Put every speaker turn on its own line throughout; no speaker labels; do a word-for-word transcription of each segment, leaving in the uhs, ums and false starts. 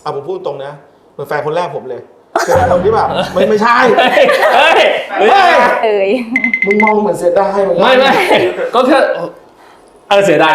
เอาผมพูดตรงนะเหมือนแฟนคนแรกผมเลยเป็นคนที่แบบไม่ไม่ใช่
เฮ้ยเฮ้ย
เอ้ย
มึงมองเหมือนเสียดายเหมือนกัน
ไม่ไม่ก็แค่เออเสียดาย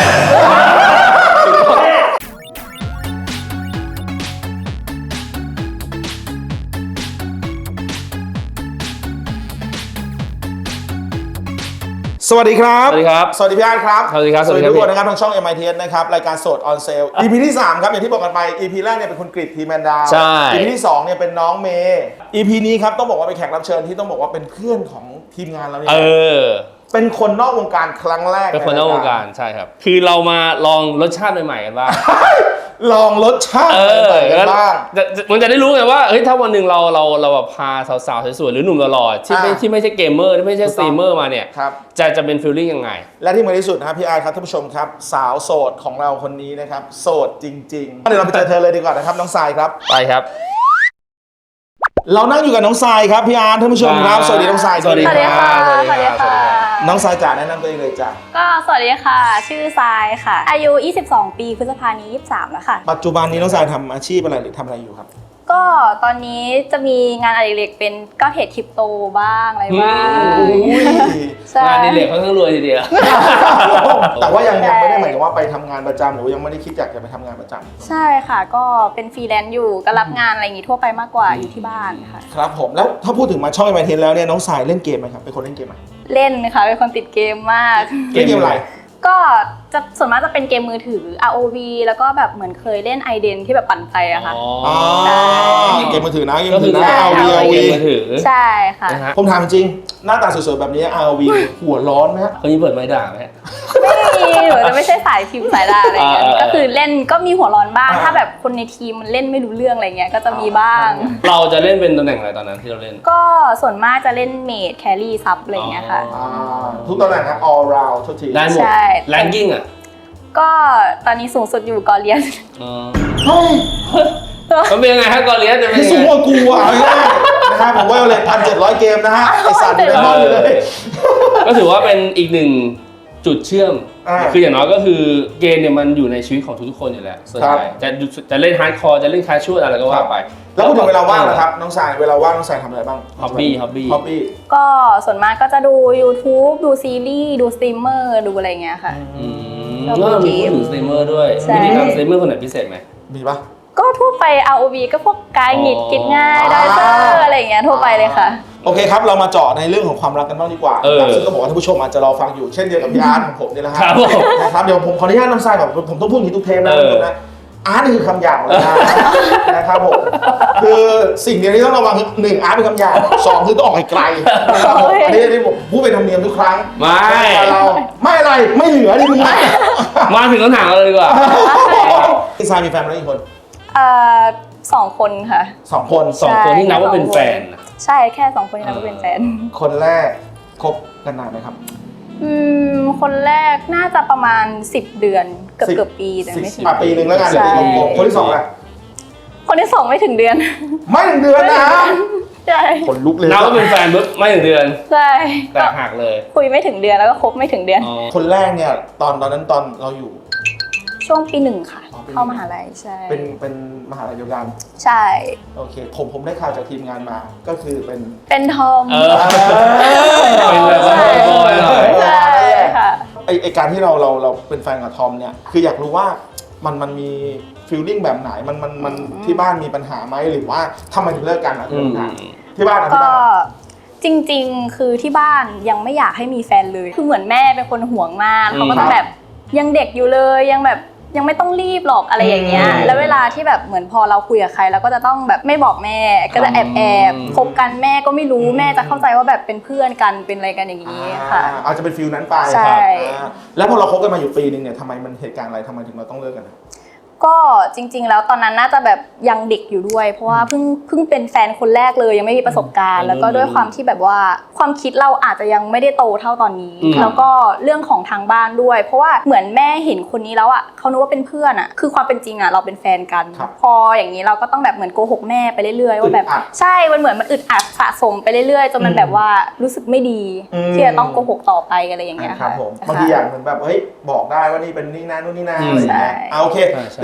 สวัสดีครับ
สวัสดีครับ
สวัสดีพี่อาร์ตครับ
สวัสดีครับ
สวัสดีทุกคนนะครับทางช่อง เอ็ม ไอ ที เอส นะครับรายการสด on sale อี พี ที่สามครับอย่างที่บอกกันไป อี พี แรกเนี่ยเป็นคุณกฤษทีแมนดาว
ใช่
อี พี ที่สองเนี่ยเป็นน้องเมย์ อี พี นี้ครับต้องบอกว่าเป็นแขกรับเชิญที่ต้องบอกว่าเป็นเพื่อนของทีมงานเราเนี่ย
เออ
เป็นคนนอกวงการครั้งแรก
เป็นคนนอกวงการใช่ครับคือเรามาลองรสชาติใหม่ๆกันบ้าง
ลองรสชาติ
เออ
ใหม่ๆกันบ้าง
มันจะได้รู้ไงว่าเฮ้ยถ้าวันหนึ่งเราเราเราแบบพาสาวๆสวยๆหรือหนุ่มหล่อๆที่ไม่
อ่า
ที่ไม่ใช่เกมเมอร์ที่ไม่ใช่สตรีมเมอร์มาเนี่ย
ครับ
จะจะเป็นฟีลลิ่งยังไง
และที่สำคัญที่สุดนะครับพี่อาร์ตครับท่านผู้ชมครับสาวโสดของเราคนนี้นะครับโสดจริงๆเดี๋ยวเราไปเจอเธอเลยดีกว่านะครับน้องทรายครับ
ไปครับ
เรานั่งอยู่กับน้องทรายครับพี่อาร์ตท่านผู้ชมครับสวัสดีน้องทราย
สวัสดี
สวัสดีค่ะ
สวัสดีค่ะ
สวัสดีค่ะ
น้องทรายจ๋าแนะนำตัวเองเลยจ้ะ
ก็สวัสดีค่ะ ชื่อทรายค่ะ อายุ ยี่สิบสอง ปีพฤษภาคมนี้ ยี่สิบสาม แล้วค่ะ
ปัจจุบันนี้น้องทรายทำอาชีพอะไรหรือทำอะไรอยู่ครับ
ก็ตอนนี้จะมีงานอดิเรกเป็นก็เทรดคริปโตบ้างอะไรบ้าง
อุ้ย
ใช่
งานดีเหล็กค่อนข้างรวยทีเดียว
แต่ว่ายังยังไม่ได้หมายถึงว่าไปทำงานประจำหรือว่ายังไม่ได้คิดอยากจะไปทำงานประจำ
ใช่ค่ะ ก็เป็นฟรีแลนซ์อยู่ก็รับงานอะไรอย่างงี้ทั่วไปมากกว่าอยู่ที่บ้านค่ะ
ครับผมแล้วถ้าพูดถึงมาช่องไอ ที เอส แล้วเนี่ยน้องทรายเล่นเกมไหมครับเป็นคนเล่นเกมไหม
เล่นค่ะเป็นคนติดเกมมาก
เล่นเกมอะไร
ก็จะส่วนมากจะเป็นเกมมือถือ อาร์ โอ วี แล้วก็แบบเหมือนเคยเล่น ไอ เดน ที่แบบปั่นไฟอะค่ะ
อ๋อเกมมือถือนะเกม
ก็
มือ
คื
ถื
อ
อนะ
เอา
อาร์ วี
วี
อา
เอา
ร์
วี
วี
มือถือ
ใช่ค่ะ
นะฮะ
ผมถามจริงหน้าตาสวยๆแบบนี้ อาร์ วี หัวร้อนไหมฮะ
คนนี้เปิดไม้ด่างไหมฮะ
ไม่มีหนูจะไม่ใช่สายพิมพ์สายดาอะไรเงี้ย
เออเออ
ก็คือเล่นก็มีหัวร้อนบ้าง
อ่า
ถ้าแบบคนในทีมมันเล่นไม่รู้เรื่องอะไรเงี้ยก็จะมีบ้าง
เราจะเล่นเป็นตำแหน่งอะไรตอนนั้นที่เราเล่น
ก็ส่วนมากจะเล่นเมดแครี่ซับอะไรเงี้ยค่ะ
อ๋อ
อ่าทุกตำแหน่งครับ all round ทุกที
ได้หมด
ใช่
แรงกิ้งอ่ะ
ก็ตอนนี้สูงสุดอยู่กอเลียน
อ๋อ
เฮ้ย
มันเป็นยังไงฮะกอเลียสจะเป็น
นี่
ยัง
สูงก
ไง
ว่ากูอ่ะเอาง่ายๆนะครับผมว่าเลยพันเจ็ดร้อยเกมนะฮะไอสัตว์อยู่ในห้องอยู่เลย
ก็ถือว่าเป็นอีกหนึ่งจุดเชื่อม
อ่า
คืออย่างน้อยก็คือเกมเนี่ยมันอยู่ในชีวิตของทุกๆคนอยู่แล้วส่วนใหญ่จะจะเล่นฮาร์ดคอร์จะเล่นแคชชวลอะไรก็ว่าไป
แล้วพูดถึงเวลาว่างนะครับน้องสายเวลาว่างน้องสายทำอะไรบ้าง
Hobby Hobby
ฮอบบี้
ก็ส่วนมากก็จะดู YouTube ดูซีรีส์ดูสตรีมเมอร์ดูอะไรเงี้ยค่ะ
อืม
ชอบ
ก็
ดู
มี
เกม
พูดถึงสตรีมเมอร์ด้วย
ใช่
มีทางสตรีมเมอร์คนไหนพิเศษไหม
มีปะ
ก็ทั่วไป อาร์ โอ วี ก็พวกกายหงิด
อ๋อ
กินง่ายไดเซอร์อะไรอย่างเงี้ยทั่วไปเลยค่ะ
โอเคครับเรามาเจาะในเรื่องของความรักกันบ้างดีกว่า
เออ
ซึ่งก็บอกว่าท่านผู้ชมอาจจะรอฟังอยู่เช่นเดียวกับพี่อาร์ตของผมนี่แหละฮะ
ครับผม
นะครับเดี๋ยวผมขออนุญาตน้องสายก่อนผมต้องพูดอย่างนี้ทุกเทปนะ
เออ
ทุกคนนะอาร์ตนี่คือคำหยาบของเรานะนะครับผมคือสิ่งเดียวที่ต้องระวังคือหนึ่งอาร์ตเป็นคำหยาบสองคือต้องออกไกลๆนะครับผมอันนี้ที่ผมพูดเป็นธรรมเนียมทุกครั้ง
ไม่
เราไม่อะไรไม่เหลือนี่มึง
มาถึงคำถามเราเลยดีกว่า
พี่ชายมีแฟนมาแล้วกี่คน
เอ่อสองคนค่ะ
สองคน
สองคนที่นับว่าเป็นแฟนนะ
ใช่แค่สองคนที่นับว่าเป็นแฟน
คนแรกคบกันนานไหมครับ
อืมคนแรกน่าจะประมาณสิบเดือนเกือบ
สิบ
เกือบปีแต่ไม่
สิ
ถึ
บ
ง
อ่ะปีหนึ่งแล้วกัน
ใช่
ปีกลมๆคนที่สองล่ะ
คนที่สองไม่ถึงเดือน
ไม่ถึงเดือนนะ
ใช่
คนลุกเลย
นับว่าเป็นแฟนปุ๊บไม่ถึงเดือน
ใช่
แตกหักเลย
คุยไม่ถึงเดือนแล้วก็คบไม่ถึงเดือน
อ๋อ
คนแรกเนี่ยตอนตอนนั้นตอนเราอยู่
ช่วงปีหนึ่งค่ะ
อ๋อปีหนึ่ง
เข้ามหาลัยใช่
เป็นเป็นมหาลัยเดียวกัน
ใช่
โอเคผมผมได้ข่าวจากทีมงานมาก็คือเป็น
เป็นทอม
เออ เป็นแบบว่าบอยๆหน่อย
ใช่ค่ะ
ไอไอการที่เราเราเราเป็นแฟนกับทอมเนี่ยคืออยากรู้ว่ามันมันมีฟีลลิ่งแบบไหนมันมันมันที่บ้านมีปัญหาไหมหรือว่าทำไมถึงเลิกกันอ่ะ
อืม
ที่บ้านอ่ะที่
ก็
บ้านอ่ะ
จริงๆ คือที่บ้านยังไม่อยากให้มีแฟนเลย คือเหมือนแม่เป็นคนห่วงมากเขาก็จะแบบยังเด็กอยู่เลยยังแบบยังไม่ต้องรีบหรอกอะไรอย่างเงี้ย แล้วเวลาที่แบบเหมือนพอเราคุยกับใครเราก็จะต้องแบบไม่บอกแม่ก็จะแอบแอบคบกันแม่ก็ไม่รู้แม่จะเข้าใจว่าแบบเป็นเพื่อนกันเป็นอะไรกันอย่างนี้ค่ะ
อ่าอาจจะเป็นฟีลนั้นไป
ใช่
อ่าแล้วพอเราคบกันมาอยู่ปีนึงเนี่ยทำไมมันเหตุการณ์อะไรทำไมถึงเราต้องเลิกกันอะ
ก็จริงๆ แล้วตอนนั้นน่าจะแบบยังเด็กอยู่ด้วย เพราะว่าเพิ่งเพิ่งเป็นแฟนคนแรกเลยยังไม่มีประสบการณ์แล้วก็ด้วยความที่แบบว่าความคิดเราอาจจะยังไม่ได้โตเท่าตอนนี้ แล้วก็เรื่องของทางบ้านด้วย เพราะว่าเหมือนแม่เห็นคนนี้แล้วอ่ะเขานึกว่าเป็นเพื่อนอ่ะคือความเป็นจริงอ่ะเราเป็นแฟนกันพออย่างนี้เราก็ต้องแบบเหมือนโกหกแม่ไปเรื่อยๆว่าแบบใช่มันเหมือนมันอึดอัดสะสมไปเรื่อยๆจนมันแบบว่ารู้สึกไม่ดีที่จะต้องโกหกต่อไปอะไรอย่างเงี้ย
ครั
ค่ะ
บผมบางทีอย่างเหมือนแบบเฮ้ยบอกได้ว่านี่เป็นนี่นะนู่นนี่นะอะไรอย่างเงี้ยเอาโอเค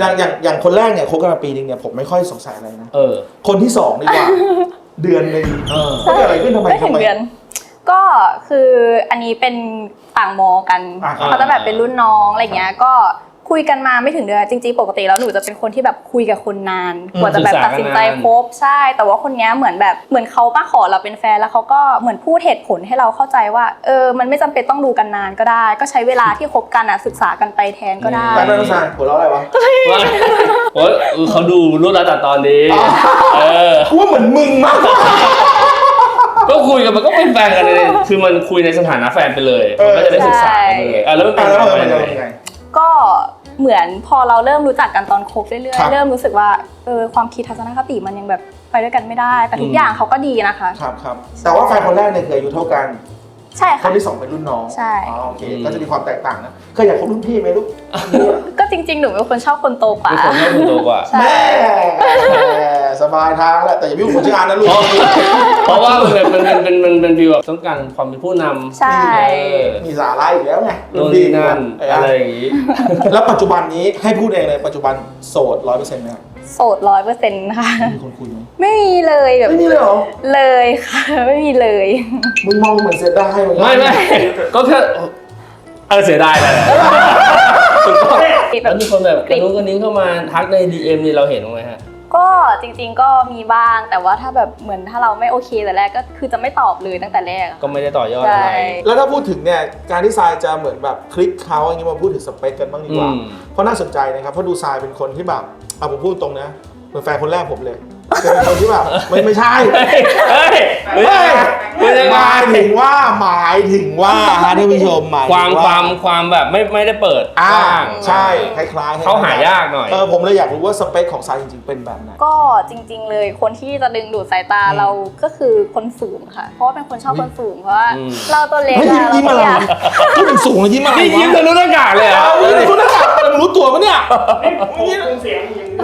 อย่างอย่างอย่างคนแรกเนี่ยคบกันมาปีนึงเนี่ยผมไม่ค่อยสงสัยอะไรนะ
เออ
คนที่สองดีกว่า เดือนหนึ่ง
เออ
เกิดอะไรขึ้นทำไม
ไม่ถึ
ทำ
ง
ไม
เดือนก็คืออันนี้เป็นต่างมอกัน
อ่าครับ
เขาจะแบบเป็นรุ่นน้องอะไรเงี้ยก็คุยกันมาไม่ถึงเดือนจริงๆปกติแล้วหนูจะเป็นคนที่แบบคุยกับคนนานกว่าจะแบบตัดสินใจคบใช่ แต่ว่าคนเนี้ยเหมือนแบบเหมือนเขามาขอเราเป็นแฟนแล้วเขาก็เหมือนพูดเหตุผลให้เราเข้าใจว่าเออมันไม่จำเป็นต้องดูกันนานก็ได้ ก็ใช้เวลาที่คบกันอ่ะศึกษากันไปแทนก็ได้
แฟนไม่ต้องสายหัวเราะอะไรวะ
ว่าโอ้ยเขาดูรุ่นแล้วแต่ตอนนี้เออ
กูว่าเหมือนมึงมากกว่า
ก็คุยกันมันก็เป็นแฟนกันเลยคือมันคุยในสถานะแฟนไปเลยมันก็จะได้ศึกษากันเลยอ่ะแล้วมันเป็น
แล้ว
แฟ
มัน
น
เป็น
กัน
ยัง
ยัง
ไง
ไง
ก็เหมือนพอเราเริ่มรู้จักกันตอนคบเรื่อย
ครับ
ๆเริ่มรู้สึกว่าเออความคิดทัศนคติมันยังแบบไปด้วยกันไม่ได้ แต่ทุ
อื
ก
ม
อย่างเขาก็ดีนะคะ
ครับครับแต่ว่าแฟนคนแรกเนี่ยคืออายุเท่ากัน
ใช่
ค
ค่ะ
นที่สองเป็นรุ่นน้อง
ใช่
อ๋อโอเคก็จะมีความแตกต่างนะเคยอยากคบรุ่นพี่ไหมลูก
ก็จริงๆหนูเป็นคนชอบคนโตกว่า
เป็นคนชอบคนโตกว่า
ใช่
แม่สบายทางแหละแต่อย่าไปยุ่งกับคนชื่ออันนะลูก
เพราะเพราะว่ามันเป็นมันเป็นมันเป็นฟีลแบบต้องการความเป็นผู้นำ
ใช่
เออ
มีสาระอีกแล้วไง
โน่นนี่นั่นอะไรอย่างงี้
แล้วปัจจุบันนี้ให้พูดเองเลยปัจจุบันโสดร้อยเปอร์เซ็นต์ไหมครับ
โสดร้อยเปอร์เซ็นต์ค่ะ
มีคนคุยไหม
ไม่มีเลยแบบ
ไม่มีเลยเหรอ
เลยค่ะ ไม่มีเลย
มึงมองเหมือนเสียดายเหมือนกั
ไม่ไม่ก็แค่เออเสียดายแหละถูกต้องแล้วมีคนแบบกระนุ้งกระนิ้งเข้ามาทักใน ดี เอ็ม นี่เราเห็นบ้างไหมฮะ
ก็จริงๆก็มีบ้างแต่ว่าถ้าแบบเหมือนถ้าเราไม่โอเคแต่แรกก็คือจะไม่ตอบเลยตั้งแต่แรกอะ
ก็ไม่ได้ต่อยอด
ใช่
อะไร
แล้วถ้าพูดถึงเนี่ยการที่ทรายจะเหมือนแบบคลิกเขาอย่างนี้มาพูดถึงสเปคกันบ้างดีกว่า
อืม
เพราะน่าสนใจนะครับเพราะดูทรายเป็นคนที่แบบเอาผมพูดตรงนะเหมือนแฟนคนแรกผมเลยเป็นคนที่แบบไม่ไม่ใช่
เฮ้ยเฮ้ย
เฮ้ย
ไม่ได้
ห
ไง
มายถึงว่าหมายถึงว่าฮะท่านผู้ชมหมายถึง
ความความความแบบไม่ไม่ได้เปิด
อ่าก
ว้าง
ใช่คล้ายๆ
เขาหายากหน่อย
เออผมเลยอยากรู้ว่าสเปคของทรายจริงๆเป็นแบบไหน
ก็จริง ๆ เลยคนที่จะดึงดูดสายตา
อืม
เราก็คือคนสูงค่ะ เพราะว่าเป็นคนชอบคนสูงเพราะว่า
อืม
เราตัวเล็ก
เฮ้ยยิ้ม
อะ
ยิ้มอะไร
เรา
วะพูดถึงสูงเลยยิ้มอะไร
นี่ยิ้ม
วะ
ทะลุหน้ากากเลยเหรอ
เอายิ้มคุณนักข่าวมึงรู้ตัวปะเนี่ย
เสียงอย่างนี้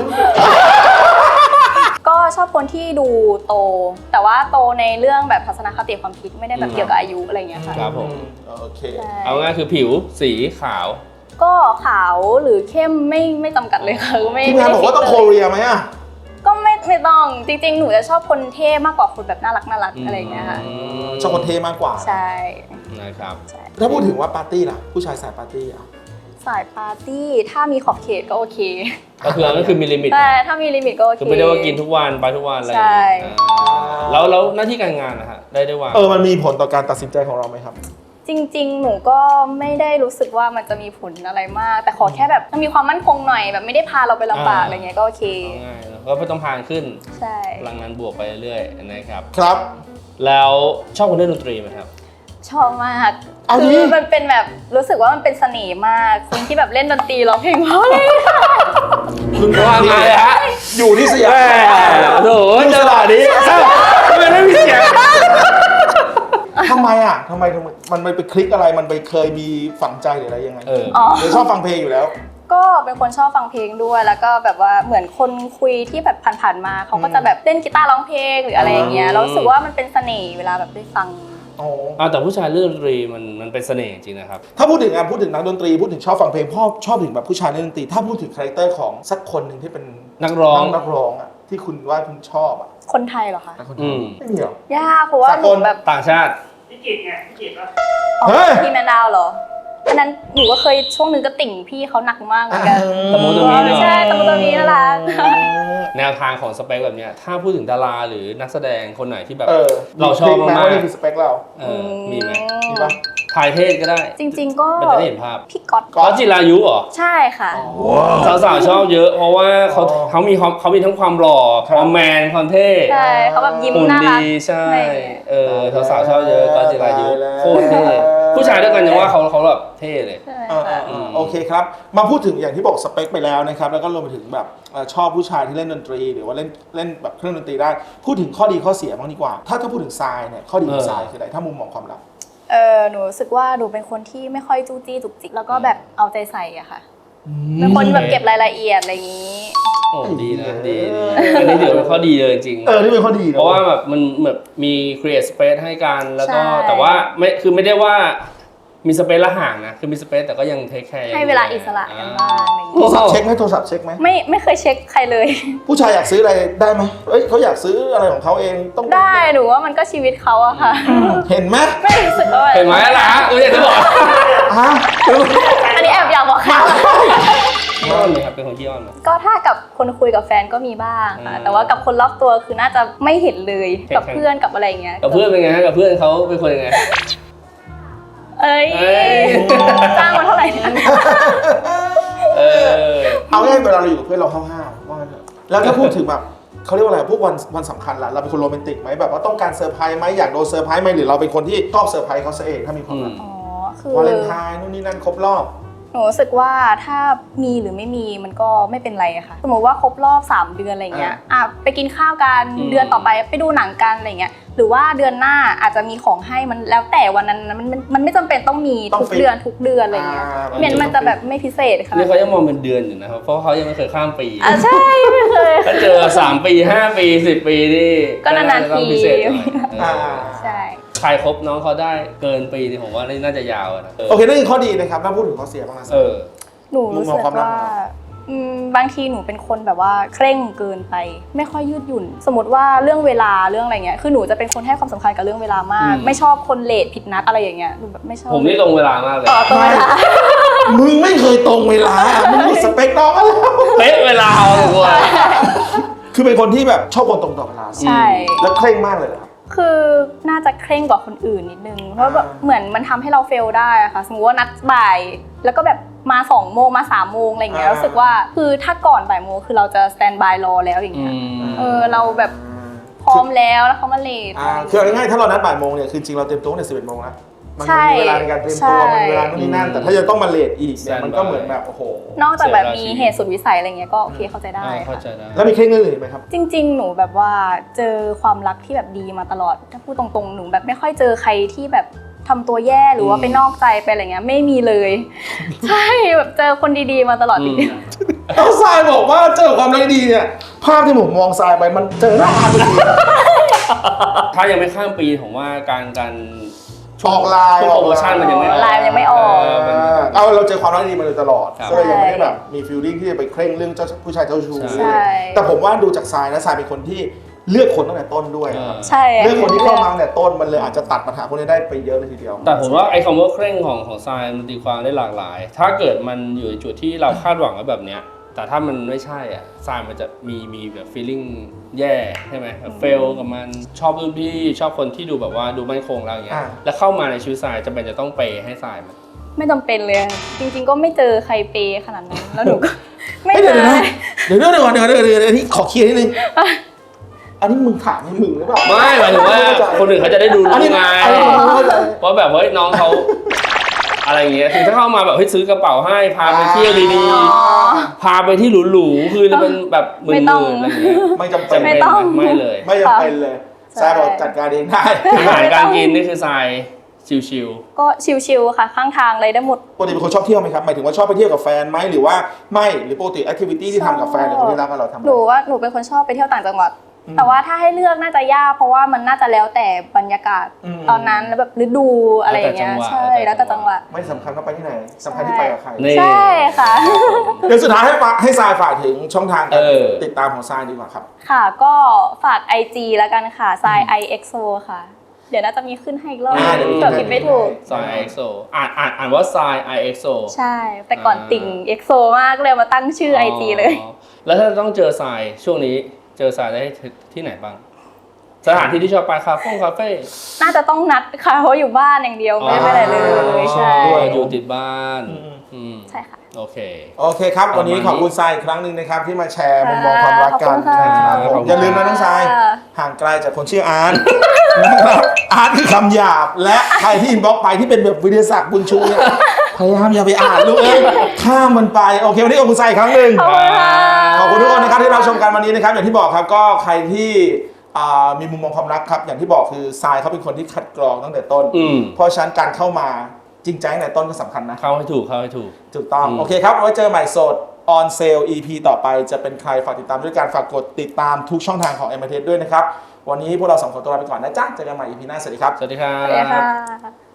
ก็ชอบคนที่ดูโต แต่ว่าโตในเรื่องแบบทัศนคติความคิดไม่ได้แบบเกี่ยวกับอายุอะไรอย่างเงี้ยค่ะ
ครับผม
โอเค
ใช่
เอาง่ายคือผิวสีขาว
ก็ขาวหรือเข้มไม่ไม่จำกัดเลยค่ะไม่
ที่งานบอกว่าต้องโค
ไม่ได้
เรียไหมอ่ะ
ก็ไม่ไม่ต้องจริง ๆ หนูจะชอบคนเท่มากกว่าคนแบบน่ารักน่ารักอะไรอย่างเงี้ยค่ะ
ชอบคนเท่มากกว่า
ใช่
นะครับ
ใช่
ถ้าพูดถึงว่าปาร์ตี้ล่ะ ผู้ชายสายปาร์ตี้อ่ะ
สายปาร์ตี้ถ้ามีขอบเขตก็โอเค
ก็คือก็คือมีลิมิต
แต่ถ้ามีลิมิตก็โอเค
คือไม่ได้ว่ากินทุกวันไปทุกวันอะไรอย่าง
ใช่
เงี้ยอ่าแล้วแล้วหน้าที่การงานนะฮะได้ได้วาง
เออมันมีผลต่อการตัดสินใจของเราไหมครับ
จริง ๆ หนูก็ไม่ได้รู้สึกว่ามันจะมีผลอะไรมาก แต่ขอแค่แบบมันมีความมั่นคงหน่อยแบบไม่ได้พาเราไปลำบากอะไรเงี้ยก็โอเค
เอาง่ายๆเนอะก็ไม่ต้องพานขึ้น
ใช่
พลังงานบวกไปเรื่อยๆนะครับ
ครับ
แล้วชอบคนเล่นดนตรีไหมครับ
ชอบมาก
เอาดิ
คือมันเป็นแบบรู้สึกว่ามันเป็นเสน่ห์มากคนที่แบบเล่นดนตรีร้องเพลงเพราะเลย
คุณ
ว่าไงฮะ
อยู่ที่สยาม
โอ้โหจังหวะนี้เอ้าทำไมไม่มีเสียง
ทำไมอ่ะทำไมทำไมมันไปคลิกอะไรมันไปเคยมีฝังใจหรืออะไรยังไง
เออ
อ๋อ
หรือชอบฟังเพลงอยู่แล้ว
ก็เป็นคนชอบฟังเพลงด้วย แล้วก็แบบว่าเหมือนคนคุยที่แบบผ่านๆมาเขาก็จะแบบเล่นกีตาร์ร้องเพลงหรืออะไรอย่างเงี้ย
อืม
เรารู้สึกว่ามันเป็นเสน่ห์เวลาแบบได้ฟัง
อ๋อ
อ่าแต่ผู้ชายเล่นดนตรีมันมันเป็นเสน่ห์จริงนะครับ
ถ้าพูดถึงงานพูดถึงนักดนตรีพูดถึงชอบฟังเพลงพ่อชอบถึงแบบผู้ชายเล่นดนตรีถ้าพูดถึงคาแรคเตอร์ของสักคนหนึ่งที่เป็น
นักร้อง
นักร้องอ่ะที่คุณว่าคุณชอบอ่ะ
คนไทยเหรอคะ
นักคน
อืม
ไม่มีหรอย
ากเพราะว่า
สัก
ห
ค
นู
น
แบบ
ต่างชาติ
พี่กิจไงพี่กิจว่า
เฮ้ย
พี่แมนดาวเหรออันนั้นหนูก็เคยช่วงหนึงก็ติ่งพี่เขาหนักมากเหมือนกัน
ตะมูตะมีเนอะ
ใช่ตะมูตะมีน่ารัก
แนวทางของสเปคแบบเนี้ยถ้าพูดถึงดาราหรือนักแสดงคนไหนที่แบบ
เออ
เราชอบ
คลิกไห
มาก
ว่านี่คือสเปคเรา
ๆเออมีไหม
มีปะ
ถ่ายเทศก็ได้
จริง ๆ ก็
มันจะได้เห็นภาพ
พี่ก๊อต
ก๊อต
ก็จิรายุเหรอ
ใช่ค่ะ
สาวๆชอบเยอะ เพราะว่าเขา
อ๋อ
เขามีความเขามีทั้งความหล่อ
ครับ
ความแมนความเท่
ใช่เขาแบบยิ้ม
หุ่น
น่า
ดี
รัก
ใช่
ไม่
เออสาวๆชอบเยอะก็จิรายุ
ตายแล้ว
โคตรเท่ผู้ชายด้วยกันยังว่าเขาเขาแบบเท่เลย
ใช่
เออเอ
ค่ะ
อเออโอเคครับ มาพูดถึงอย่างที่บอกสเปคไปแล้วนะครับ แล้วก็รวมไปถึงแบบเอ่อชอบผู้ชายที่เล่นดนตรี หรือว่าเล่นเล่นแบบเครื่องดนตรีได้ พูดถึงข้อดีข้อเสียบ้างดีกว่า ถ้าถ้าพูดถึงทรายเนี่ยข้อดีของ
เออ
ทรายคืออะไรถ้ามุมมองความรัก
เออหนูรู้สึกว่าหนูเป็นคนที่ไม่ค่อยจู้จี้จุกจิกแล้วก็แบบเอาใจใส่อะค่ะเป็นคนแบบเก็บรายละเอียดอะไรอย่างนี้
โอ้ดีนะดีดีอันนี้ถือเป็นข้อดีเลยจริงๆ
เออนี่เป็นข้อดีน
เพราะว่าแบบมันแบบมี create space ให้กันแล้วก็
ใช่
แต่ว่าไม่คือไม่ได้ว่ามีสเปซละห่างนะคือมีสเปซแต่ก็ยังเทคแคร์
ให้เวลาอิสระกันบ้างอะไรอย่าง
โทร
เงี้ย
ศัพท์เช็คไหมโทรศัพท์เช็คไหม
ไม่ไม่เคยเช็คใครเลย
ผู้ชายอยากซื้ออะไรได้ไหมเอ้ยเขาอยากซื้ออะไรของเขาเองต้อง
ได้หนูว่ามันก็ชีวิตเขาอะค่ะ
เห็นไหม
ไม่รู้สึกว่า
เห็นไหมล่ะเอออยากจะบอก
ฮะ
อันนี้แอบอยากบอกค่ะ
ขี้อ้อนไหมครับเป็นคนขี้อ้อนไหม
ก็ถ้ากับคนคุยกับแฟนก็มีบ้างค่ะ
อืม
แต่ว่ากับคนรอบตัวคือน่าจะไม่เห็นเลย
เห็น
กับเพื่อนกับอะไรอย่างเงี้ย
กับเพื่อนเป็นไงฮะกับเพื่อนเขาเป็นคนยังไง
เอ้ย
เอ้ย
จ้างมาเท่าไหร่นะ
เออ
เอาง่ายๆเวลาเราอยู่กับเพื่อนเราห้าวๆว่างั้นเถอะแล้วถ้าพูดถึงแบบเขาเรียกว่าอะไรพวกวันวันสำคัญล่ะเราเป็นคนโรแมนติกไหมแบบว่าต้องการเซอร์ไพรส์ไหมอยากโดนเซอร์ไพรส์ไหมหรือเราเป็นคนที่ชอบเซอร์ไพรส์เขาซะเองถ้ามีความรัก
อ๋อคือ
วาเลนไทน์นู่นนี่นั่นครบรอบ
หนูรู้สึกว่าถ้ามีหรือไม่มีมันก็ไม่เป็นไรอะค่ะ สมมติว่าครบรอบสามเดือนอะไรเงี้ย อ่ะไปกินข้าวกัน
อืม
เดือนต่อไปไปดูหนังกันอะไรเงี้ย หรือว่าเดือนหน้าอาจจะมีของให้มันแล้วแต่วันนั้นมันมันมันไม่จำเป็นต้องมี
ต้อง
ทุก
ฟิก
เดือนทุกเดือนอะไรเงี้ย
อ่า
เหมือนมันจะแบบไม่พิเศษค่ะ
นี่เขายังมองเป็นเดือนอยู่นะครับเพราะเขายังไม่เคยข้ามปี
อ่ะใช่ไม่เคย
ถ้าเจอสามปีห้าปีสิบปีนี่
ก็นานๆ
จะต้อง
ที
พิเศษหน่อย
อ่า
ใช่
ใครครบน้องเขาได้เกินปีนี่ผมว่านี่น่าจะยาวอะนะ
โอเคนั่นคือข้อดีนะครับถ้าพูดถึงข้อเสียบ้างนะ
เออ
หนูรู้สึก
มุมมองความรัก
ว่าอืมบางทีหนูเป็นคนแบบว่าเคร่งเกินไป ไม่ค่อยยืดหยุ่น สมมติว่าเรื่องเวลาเรื่องอะไรเงี้ยคือหนูจะเป็นคนให้ความสำคัญกับเรื่องเวลามาก
อืม
ไม่ชอบคนเลทผิดนัดอะไรอย่างเงี้ยหนูแบบไม่ชอบ
ผมนี่ตรงเวลามากเลย
ต่อตรงเวลา
มึงไม่เคยตรงเวลา มึงมีสเปคน้องอะไร
เป๊ะเวลาเอาเลยว่ะ
คือเป็นคนที่แบบชอบคนตรงต่อเวลา
ใช่
แล้วเคร่งมากเลยเหรอครับ
คือน่าจะเคร่งกว่าคนอื่นนิดนึง เพราะแบบ
อ่า
เหมือนมันทำให้เราเฟลได้อะค่ะ สมมติว่านัดบ่าย แล้วก็แบบมาสองโมงมาสามโมงอะไรอย่างเงี้ยรู้สึกว่าคือถ้าก่อนบ่ายโมงคือเราจะสแตนบายรอแล้วอย่าง
อื
เงี้ย
ม
เออเราแบบพร้อมแล้วแล้วเขามาเลท
อ่าคือเอาง่ายๆถ้าเรานัดบ่ายโมงเนี่ยคือจริงเราเตรียมตัวตั้งแต่สิบเอ็ดโมงแล้วมัน
ใช่
มีเวลาในการเตรียมตัว
ใช่
มันมีเวลานู่นนี่นั่น แต่ถ้าจะต้องมาเลทอีกเนี่ย
Stand
มันก็
by
เหมือนแบบโอ้โห
นอกจากแบบ
เสียเวลา
มี
ชีวิต
เหตุสุดวิสัยอะไรเงี้ยก็โอเคเข้าใจได้
อ่าเข้า
ค่ะ
ใจได้
แล้วมีเคร่งเรื่องอื่นอีกไหมครับ
จริง ๆ หนูแบบว่าเจอความรักที่แบบดีมาตลอด ถ้าพูดตรงๆ หนูแบบไม่ค่อยเจอใครที่แบบทำตัวแย่หรือว่า
อืม
ไปนอกใจไปอะไรเงี้ยไม่มีเลย ใช่แบบเจอคนดีๆมาตลอดจ
อืม
ริง
แล้วทรายบอกว่าเจอความรักดีเนี่ย ภาพที่ผมมองทรายไปมันเจอหน้าอาร์ตพอดี
ถ้ายังไม่ข้ามปีผมว่าการการ
ออกไลน์
ช่วงโปรโมชั่นมันยังไม่ออก
ไลน์มันยังไม่ออก
เมัน
เอาเราเจอความรักดีมาโดยตลอด
ครับ
ก็เลยยังไม่ได้แบบมีฟีลลิ่งที่จะไปเคร่งเรื่องเจ้าผู้ชายเจ้าชู้
ใช่
ใช่
แต่ผมว่าดูจากทรายนะทรายเป็นคนที่เลือกคนตั้งแต่ต้นด้วย
เออ
ครับ
ๆ ใช่
เลือกคนที่เข้ามาตั้งแต่ต้นมันเลยอาจจะตัดปัญหาพวกนี้ได้ไปเยอะเลยทีเดียว
แต่ผมว่าไอ้คำว่าเคร่งของของทรายมันตีความได้หลากหลาย ถ้าเกิดมันอยู่ในจุดที่เราคาดหวังไว้แบบเนี้ยแต่ถ้ามันไม่ใช่อ่ะทรายมันจะมีมีแบบ feeling แย่ใช่ไหมแบบเฟลกับมันชอบรุ่นพี่ชอบคนที่ดูแบบว่าดูมั่นคงแล้วอย่างเงี้ย
อ่า
แล้วเข้ามาในชีวิตทรายจำเป็นจะต้องเปย์ให้ทรายมัน
ไม่จำเป็นเลย จริง ๆ ก็ไม่เจอใครเปย์ขนาดนั้นแล้วหนูก็ ไม่
เฮ้ย
เจ
เดี๋ยว
อ
นะเดี๋ยวเดี๋ยวเดี๋ยวเดี๋ยวเดี๋ยวเดี๋ยวเดี๋ยวนี่ขอเคลียร์นิดนึง อันนี้มึงถามให้มึงหรือเปล่า
ไม่หมายถึงว่าคนอื่นเขาจะได้ดู
อัน
รู้
นี้
ไง
อันนี้ผมเข้าใจ
ว่าแบบเฮ้ยน้องเขาอะไรอย่างเงี้ยคือถ้าเข้ามาแบบเฮ้ยซื้อกระเป๋าให้พาไปเที่ยวดี
อ๋อ
ๆพาไปที่หรูๆคือจะเป็นแบบหมื่
ไม่
น
ต้อง
ๆอะไรอย่างเงี้ย
ไม่จำเป็น
ไม่
จำเป็น
ต้อง
ไหมไม่เลย
ไม่จำเป็นเลย
ใช่
ทรายบอกจัดการเองได้
อาหารการกินนี่คือทรายชิว
ก็ชิลๆค่ะข้างทางเลยได้หมด
ปกติเป็นคนชอบเที่ยวไหมครับหมายถึงว่าชอบไปเที่ยวกับแฟนไหมหรือว่าไม่หรือปกติแอคทิวิตี้ที่ทำกับแฟนหรือคนที่รักกับเราทำอะไร
หนูว่าหนูเป็นคนชอบไปเที่ยวต่างจังหวัด
อืม
แต่ว่าถ้าให้เลือกน่าจะยากเพราะว่ามันน่าจะแล้วแต่บรรยากาศ
อืม
ตอนนั้นแล้วแบบฤดูอะไรอย่างเงี้ยใช่แล้วแต่จังหวัด
ไม่สำคัญว่าไปที่ไหนสำคัญที่ไปกับใคร
ๆนี่
ใช่ค่ะ
เดี๋ยวสุดท้ายให้ฝากให้ทรายฝากถึงช่องทางการ
เออ
ติดตามของทรายดีกว่าครับ
ค่ะก็ฝาก ไอ จี แล้วกันค่ะ ไซ ไอ เอ็กโซ ค่ะ เดี๋ยวน่าจะมีขึ้นให้อีกรอบ
อ่าเดี๋ยวมี
เกิดผิดไม่ถูก
ทราย เอ็กโซ อ่านอ่านอ่านว่าทราย ไอ เอ็กโซ
ใช่ แต่ก่อนติ่ง เอ็กโซ มากเลยมาตั้งชื่อ ไอ จี เลย
แล้วถ้าต้องเจอทรายช่วงนี้เจอทรายได้ที่ไหนบ้าง สถานที่ที่ชอบไปคาเฟ่คาเฟ่
น่าจะต้องนัดค่ะเพราะอยู่บ้านอย่างเดียวไม่ได้ไปไหนเลยใช่
ด้วย
อยู่ติดบ้าน
อืม
อืม
ใช่ค่ะ
โอเค
โอเคครับ วันนี้
ประมาณนี้
ขอบคุณทรายอีกครั้งหนึ่งนะครับที่มาแชร์มุมมองความรักกัน
ขอบคุณค่ะ
นะครับผม
ขอบคุณ
อย่าลืมนะน้องทราย
ค่ะ
ห่างไกลจากคนชื่ออาร์ต นะครับอาร์ตคือคำหยาบและใครที่อินบ็อกซ์ไปที่เป็นแบบวิทยาศักดิ์บุญชูเนี่ยพยายามอย่าไปอ่านลูกเอ้ยข้ามมันไปโอเควันนี้ขอบคุณทรายอีกครั้งหนึ่ง
ขอบคุณค่ะ
ขอบคุณทุกคนนะครับที่เราชมกันวันนี้นะครับอย่างที่บอกครับก็ใครที่อ่ามีมุมมองความรักครับอย่างที่บอกคือทรายเขาเป็นคนที่คัดกรองตั้งแต่ต้น
อืม
เพราะฉะนั้นการเข้ามาจริงใจตั้งแต่ต้นก็สำคัญนะ
เข้าให้ถูกเข้าให้ถูก
ถูกต้อง
อืม
โอเคครับไว้เจอใหม่โสด on sale อี พี ต่อไปจะเป็นใครฝากติดตามด้วยการฝากกดติดตามทุกช่องทางของ เอ็ม อาร์ ที ด้วยนะครับวันนี้พวกเราสองคนตัวลาไปก่อนนะจ๊ะเจอกันใหม่ อี พี หน้าสวัสดีครับ
สวัสดีครั
สวัสดี
บ
ค่ะ